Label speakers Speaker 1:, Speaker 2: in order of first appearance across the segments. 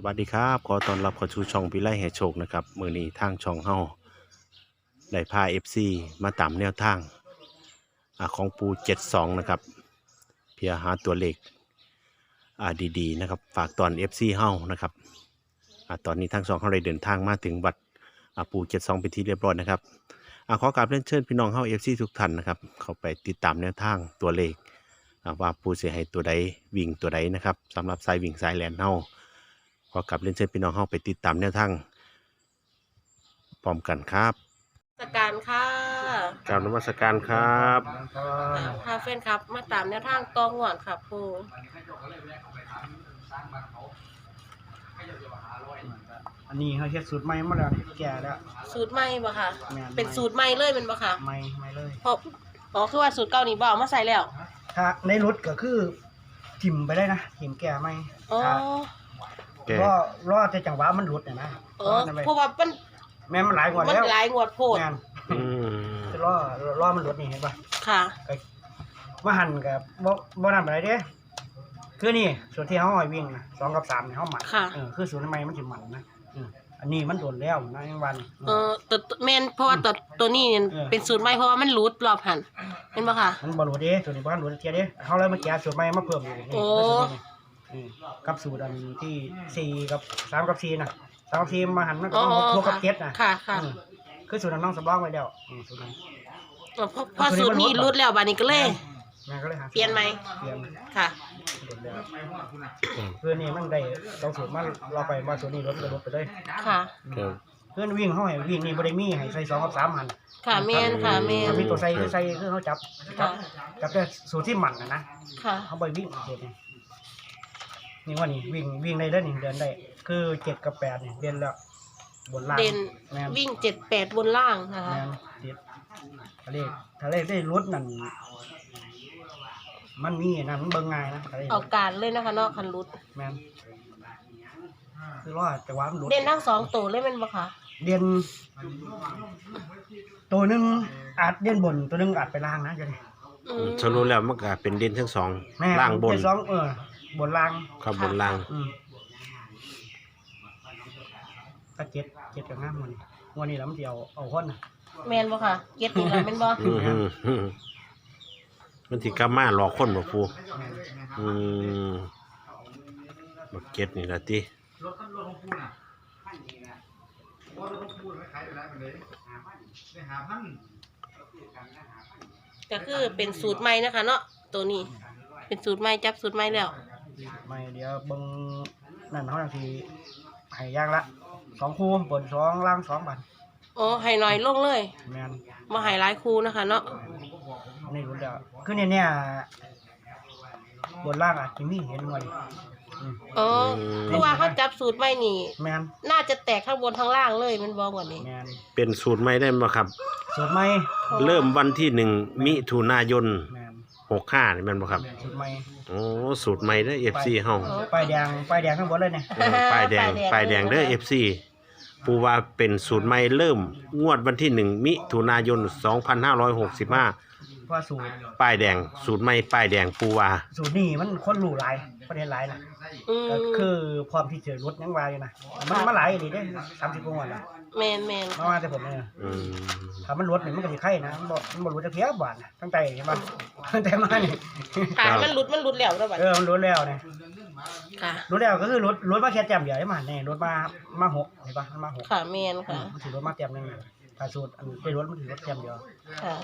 Speaker 1: วัสดีครับขอต้อนรับเข้าสู่ช่องวิไลแห่โชคนะครับมื้อนี้ทางช่องเฮาได้พา FC มาตามแนวทางของปู72นะครับเพื่อหาตัวเลขดีๆนะครับฝากตอน FC เฮานะครับตอนนี้ทางช่องเฮาได้เดินทางมาถึงวัดปู72เป็นที่เรียบร้อยนะครับขอกราบเรียนเชิญพี่น้องเฮา FC ทุกท่านนะครับเข้าไปติดตามแนวทางตัวเลขว่าปูสิให้ตัวใดวิ่งตัวใดนะครับสำหรับสายวิ่งสายแล่นเฮาขอกลับเรียนเชิญพี่น้องเข้าไปติดตามแนวทางพร้อมกันครับ
Speaker 2: สการค่ะ
Speaker 1: กราบนมัสการครับ
Speaker 2: พาเฟนครับมาตามแนวทางตองหวานค่ะปู
Speaker 3: อันนี้เขาเฮ็ดสูตรใหม่มาแล้วแก่แล้ว
Speaker 2: สูตรใหม่บ่ค่ะเป็นสูตรใหม่เลยเป็นบ่ค่ะ
Speaker 3: ใหม่เลย
Speaker 2: เพราะคือว่าสูตรเก่านี่บ่เอามาใส่แล้ว
Speaker 3: ถ้าในรถก็คือถิ่มไปได้นะถิ่มแก่ใหม่
Speaker 2: อ๋อ
Speaker 3: รอแต่จังหวะมันหลุดเนี่ยนะ
Speaker 2: เพราะว่ามัน
Speaker 3: แม่มันหลายงวดแล้ว
Speaker 2: มันหลายงวดโพด
Speaker 3: จะรอมันหลุดนี่เห็นป่ะ
Speaker 2: ค่ะ
Speaker 3: ว่าหันกับบ่นำอะไรเด้คือนี่ส่วนที่เขาให้วิ่งนะ2 กับ 3เนี่ยเขาหมันคือสูตรใหม่มันสิหมันนะอันนี้มันโดนแล้วนะยังวัน
Speaker 2: ตัวแม่นเพราะว่าตัวนี้เป็นสูตรใหม่เพราะว่ามันหลุดรอบหันเห็นบ่ค่ะ
Speaker 3: มันบ่หลุดเด้ตัวนี้บ่หลุดเทียเด้เขาเลยมาแก้สูตรใหม่มาเพิ่มอยู่นี่กับสูตรอันที่4กับ3กับ4น่ะ3กับ4มาหันมันก็6กับ7น่ะ
Speaker 2: ค่ะ
Speaker 3: คือสูตรน้องสำรองไว้แล้วสูตรนั้น
Speaker 2: พอสูตรนี้หลุดแล้วบัดนี้ก็เลยเปลี่ยนไหม
Speaker 3: เปลี่ยน
Speaker 2: ค่ะ
Speaker 3: เพื่อนนี่มันได้ต้องสูตรมันเราไปมาสูตรนี้ลดไปเลย
Speaker 2: ค่ะ
Speaker 3: เพื่อนวิ่งเขาให้วิ่งนี่บริมีให้ใส่2 กับ 3หัน
Speaker 2: ค่ะแม่นค่ะแม่น
Speaker 3: มีตัวใส่คือเขาจับแต่สูตรที่หมั่นนะ
Speaker 2: ค่ะ
Speaker 3: เขาไปวิ่งเด็ดนี่ว่านี่วิ่งได้แล้วนี่เดินได้คือ7 กับ 8นี่เดินแล้วบนล่าง
Speaker 2: เด่นวิ่ง7 8บนล่างนะคะ
Speaker 3: เด็ดทะเลได้รถนั่นมันมีนะมันเบิ่งง่ายนะ
Speaker 2: เอาการเลยนะคะเนาะคันรุด
Speaker 3: แม่นคือว่าแต่ว่ามันรุด
Speaker 2: เด่นทั้ง2ตัวเลยแม่นบ่คะ
Speaker 3: เด่นตัวนึงอาจเด่นบนตัวนึงอาจไปล่างนะจังได๋
Speaker 1: สรุปแล้วมันก็เป็นเด่นทั้ง2ล่างบน
Speaker 3: บนล่าง
Speaker 1: ครับบนล่าง
Speaker 3: ถ้าเจ็ดก็งามวันนี้แล้วมันสิเอาคนน่ะ
Speaker 2: แม่นบ่ค่ะเจ็ดนี่ล่ะแม่นบ่
Speaker 1: มันสิกลับมาหลอกคนบ่ปูบักเก็ตนี่ล่ะติ
Speaker 2: ก็คือเป็นสูตรใหม่นะคะเนาะตัวนี้เป็นสูตรใหม่จับสูตรใหม่แล้ว
Speaker 3: ใหม่เดี๋ยวเบิ่งนั่นเฮาจังสิให้อย่างละ2คู่บน2ล่าง2บัด
Speaker 2: อ๋อให้น้อยลงเลย
Speaker 3: แม่น
Speaker 2: มาให้หลายคู่นะคะเนาะ
Speaker 3: นี่รู้แล้วคือเนี่ยบนล่างอ่ะจิมีเห็นหน่อย
Speaker 2: เพราะว่าเขาจับสูตรไว้นี่
Speaker 3: แม่น
Speaker 2: น่าจะแตกข้างบนข้างล่างเลยมันบอกว่านี้
Speaker 3: แม่น
Speaker 1: เป็นสูตรใหม่ได้บ่ครับ
Speaker 3: สูตรใหม่
Speaker 1: เริ่มวันที่1มิถุนายน65นี่แม่นบ่ครับ
Speaker 3: สูตรใหม่
Speaker 1: สูตรใหม่เด้อ FC เฮา
Speaker 3: ป้ายแดงข้างบนเลยเนี่ย
Speaker 1: ป้ายแดงเด้อ FCปูว่าเป็นสูตรใหม่เริ่มงวดวันที่1มิถุนายน2565
Speaker 3: ว่าสูตร
Speaker 1: ป้ายแดงสูตรใหม่ป้ายแดงปูว่า
Speaker 3: สูตรนี้มันคนรู้หลายประเทศหลายนะก็คือความที่เจอรถยังวายอยู่นะมันหลายดีได้30 กว่าน่ะ
Speaker 2: แม่น
Speaker 3: มาแต่ผมเนี่ยถ้ามันรถนี่มันก็สิไข่นะมันบ่รู้จักเพียบาทนะตั้งแต่เห็นบ่ตั้งแต่มานี่
Speaker 2: มันหลุดแล้วแล้วบัด
Speaker 3: มันหลุดแล้วนี่
Speaker 2: ค่ะ
Speaker 3: รถแล้วก็คือรถมาแค่แต้มเดียวได้มาแน่รถมา6เห็นป่ะมันมา6
Speaker 2: ค่ะแม่นค่ะ
Speaker 3: มันถือรถมาแต้มนึงถ้าสูตรอันเป็นรถมันถือรถแต้มเดียว
Speaker 2: ค่ะ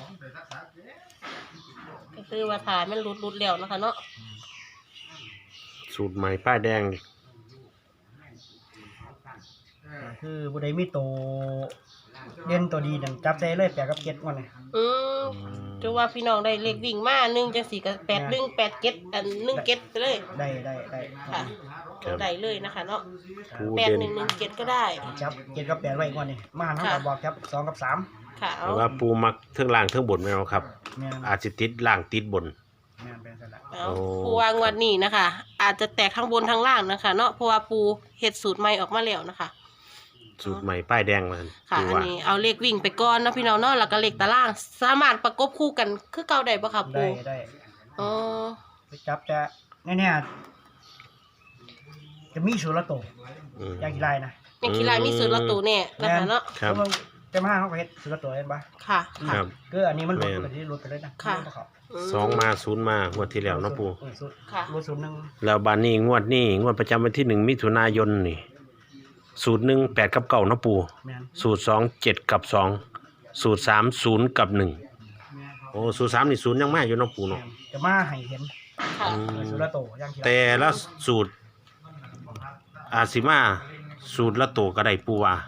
Speaker 2: ก็คือว่าถ่ายมันหลุดแล้วนะคะเนาะ
Speaker 1: สูตรใหม่ป้ายแดง
Speaker 3: คือบ่ได้มีโตเด่นตัวดีนั่นจับได้เลย8 กับ 7ก่อนนี่
Speaker 2: จะว่าพี่น้องได้เลขวิ่งมา1จัง4ก็8 1 8 7อัน1 7ไปเลย
Speaker 3: ได้
Speaker 2: ค่ะได้เลยนะคะเนาะ8 1 1 7ก็ได้
Speaker 3: จับ7 กับ 8ไว้ก่อนนี่มาหันเฮาก็บอกจับ2 กับ 3
Speaker 2: ค่ะ
Speaker 1: แต่ว่าปูมักเทิงล่างเทิงบนแม่นบ่ครับอาจสิติดล่างติดบน
Speaker 2: ปูวางวันนี้นะคะอาจจะแตกข้างบนข้างล่างนะคะเนาะเพราะว่าปูเฮ็ดสูตรใหม่ออกมาแล้วนะคะ
Speaker 1: สูตรใหม่ป้ายแดงมัน
Speaker 2: ค่ะอันนี้เอาเลขวิ่งไปก่อนเนาะพี่น้องเนาะแล้วก็เลขตารางสามารถประกบคู่กันคือเก่าได้บ่คะปู
Speaker 3: ได้
Speaker 2: ไป
Speaker 3: จับจะแน่ๆจะมีสูตรละโตยางขี้ลายนะ
Speaker 2: ยังขี้ลายมีสูตรละตัวเนี่ยนะคะเนาะ
Speaker 1: ครับ
Speaker 3: แล้วจะมาเขาก็เฮ็ดสุดละตัวเห็นปะ
Speaker 2: ค่ะ
Speaker 1: ครับ
Speaker 3: ก็อันนี้มันหลุดไปที่หลุดไปเลยนะ
Speaker 2: ค่ะ
Speaker 3: เขา
Speaker 1: สองมาศูนย์มางวดที่แล้วเนาะปู
Speaker 3: สุด
Speaker 2: ค่ะ
Speaker 3: หลุดศูนย์หนึ่ง
Speaker 1: แล้วบานนี้งวดประจำวันที่1 มิถุนายนนี่สูตร1 8 กับ 9เนาะปู
Speaker 3: แม่น
Speaker 1: สูตร2 7 กับ 2 สูตร3 0 กับ 1โอ้สูตร3นี่ศูนย์ยังมาอยู่เนาะปูเนาะ
Speaker 3: จะมาให้เห็น
Speaker 2: ค่ะ
Speaker 3: สุดละตัวยางขี้ลาย
Speaker 1: แต่ละสูตรอาจสิมาสูตรละโตก็ได้ปูว่า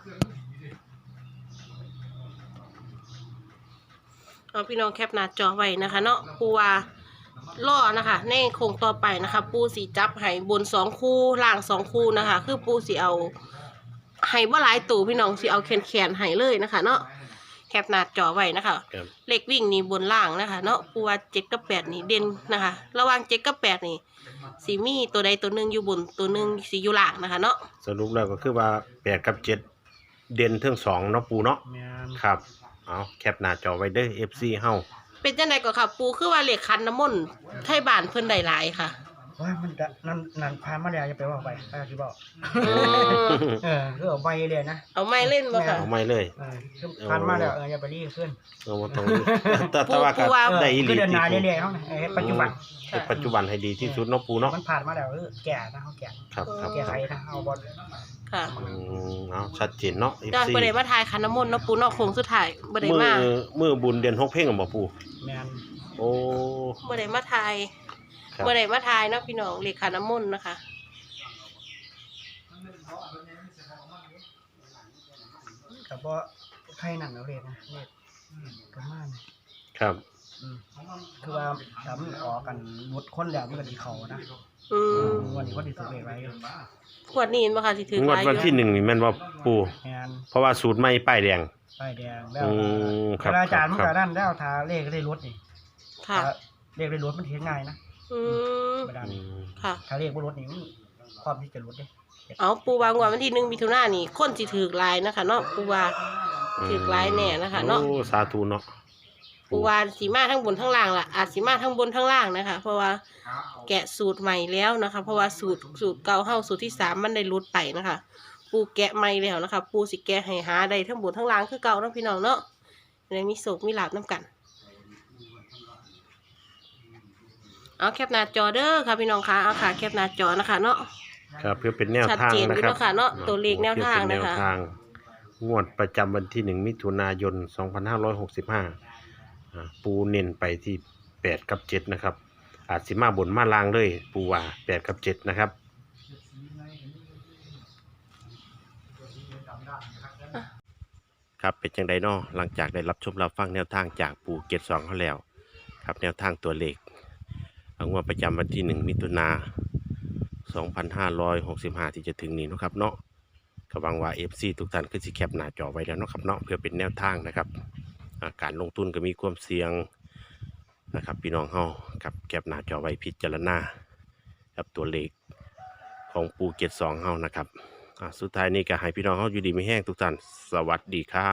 Speaker 2: เอาพี่น้องแคปหน้าจอไว้นะคะเนาะปูว่าล่อนะคะในโครงต่อไปนะคะ ปูสีจับไห้บน2 คู่ล่าง2 คู่นะคะ คือปูสีเอาไห้บ่หลายตู่พี่น้องสีเอาแขนไห้เลยนะคะ เนาะแคปหน้าจอไว้นะคะ
Speaker 1: ครับ
Speaker 2: เลขวิ่งนี่บนล่างนะคะเนาะปูว่า7กับ8นี่เด่นนะคะ ระหว่าง7กับ8นี่สีมีตัวใดตัวหนึ่งอยู่บนตัวหนึ่งสีอยู่ล่างนะคะ เนาะ
Speaker 1: สรุปแล้วก็คือว่า8กับ7เด่นทั้ง2เนาะปูเนาะ
Speaker 3: แม่น
Speaker 1: ครับเอาแคปหน้าจอไว้เด้อ FC เฮา
Speaker 2: เป็นจังไดก็ค่ะ ปูคือว่าเลขคันน้ำมนต์ไทยบ้านเพิ่นได้หลายค่ะ
Speaker 3: ว่ามันจะนั่นผ่านมาแล้วจะไปว่าไปไปที่บอก
Speaker 2: อืม
Speaker 3: คือเอาใบเลยนะ
Speaker 2: เอาไม้เล่นบ่ค่ะ
Speaker 1: เอาไม่เลย
Speaker 3: คือผ่านมาแล้วอย่าไปรีบขึ้น
Speaker 1: เอาบ่ต้องแต่ว่าก็
Speaker 2: ปูว่า
Speaker 1: ได้อีห
Speaker 3: คื
Speaker 1: ลี
Speaker 3: อเดินหน้า
Speaker 1: ที่
Speaker 3: เรื่อยๆเขานะปัจจุบัน
Speaker 1: แต่ปัจจุบันให้ดีที่สุดเนาะปูเนาะ
Speaker 3: มันผ่านมาแล้วแก่นะเขาแก่
Speaker 1: ครับครับ
Speaker 3: แก่ไขนะเอาบอล
Speaker 2: ค่ะ
Speaker 1: เอาชัดเจนเนาะ
Speaker 2: ได้
Speaker 1: FC
Speaker 2: บ่ได้มาทายคันน้ำมนต์เนาะปูเนาะโค้งสุดท้ายบ่ได้มา
Speaker 1: มือบุญเดือน6เพ่งบ่ปู
Speaker 3: แมน
Speaker 1: โอ้
Speaker 2: บ่ได้มาทาย
Speaker 1: ครับ
Speaker 2: บ่ได้มาทายเนาะพี่น้องเลขคันน้ำมนต์นะคะ
Speaker 3: แต่ว่าไข่หนังเอาเรียนะเรียประมาณ
Speaker 1: ครับ
Speaker 3: คือว่าทำออกกันหมดคนแล้วมันก็ดีเขานะ
Speaker 2: อืม
Speaker 3: วันนี้ก็ดีสุดเลยไว้
Speaker 2: ขวดนี้เห็นบ่ค่ะสิถือง
Speaker 1: ว
Speaker 2: ห
Speaker 1: ด
Speaker 2: ลายอ
Speaker 1: วันที่
Speaker 2: ยู่
Speaker 1: 1นี่แม่นว่าปู
Speaker 3: แมน
Speaker 1: เพราะว่าสูตรใหม่ป้ายแดง
Speaker 3: ป้ายแดงแล้ว
Speaker 1: ครับ
Speaker 3: เวลาอาจารย์มัน
Speaker 1: ค
Speaker 3: ก็
Speaker 1: รับ
Speaker 3: นั่นแล้วทาเลขได้รถนี่
Speaker 2: ค่ะ
Speaker 3: เลขได้รถมันเห็นง่ายนะ
Speaker 2: อืม
Speaker 3: เวลา
Speaker 1: อืม
Speaker 2: ค่ะ
Speaker 3: ถ้าเลขบ่รถนี่มันความที่จะรถเด้
Speaker 2: เอาปูวางวันที่1มิถุนายนนี่คนสิถือหลายนะคะเนาะปูว่าถือหลายแน่นะคะเนาะ
Speaker 1: โอ้สาธุเนาะ
Speaker 2: ปูว่าสีมาทั้งบนทั้งล่างล่ะอาจสีมาทั้งบนทั้งล่างนะคะ เพราะว่าแกะสูตรใหม่แล้วนะคะ เพราะว่าสูตรเก่าเฮาสูตรที่3มันได้หลุดไปนะคะ ปูแกะใหม่แล้วนะคะ ปูสิแกะให้หาได้ทั้งบนทั้งล่างคือเก่าเนาะพี่น้องเนาะได้มีโศกมีลาบน้ำกัน เอาแคปหน้าจอเด้อค่ะพี่น้องคะเอาค่ะแคปหน้าจอนะคะเนาะ
Speaker 1: ครับเพื่อเป็นแนว
Speaker 2: ชัด
Speaker 1: ทาง
Speaker 2: เจนอยู่
Speaker 1: นะครับ
Speaker 2: เนาะค่ะเนาะตัวเลขแนวทางนะคะ
Speaker 1: เพื่อเป็แนวทางงวดประจำวันที่1 มิถุนายน 2565ปูเน้นไปที่8กับ7นะครับ อาจสิมาบนมาลางเลยปูว่า8กับ7นะครับครับเป็นจังไดเนาะหลังจากได้รับชมรับฟังแนวทางจากปูเกต2เขาแล้วครับแนวทางตัวเลขงวดประจำวันที่1 มิถุนายน 2565 ที่จะถึงนี้นะครับเนาะก็หวังว่า FC ทุกท่านก็สิแคปหน้าจอไว้แล้วเนาะครับเนาะเพื่อเป็นแนวทางนะครับการลงทุนก็มีความเสี่ยงนะครับพี่น้องเฮากับแคปหน้าจอไว้พิจารณากับตัวเลขของปูเกต2เฮานะครับสุดท้ายนี้ก็ให้พี่น้องเฮาอยู่ดีมีแห้งทุกท่านสวัสดีครับ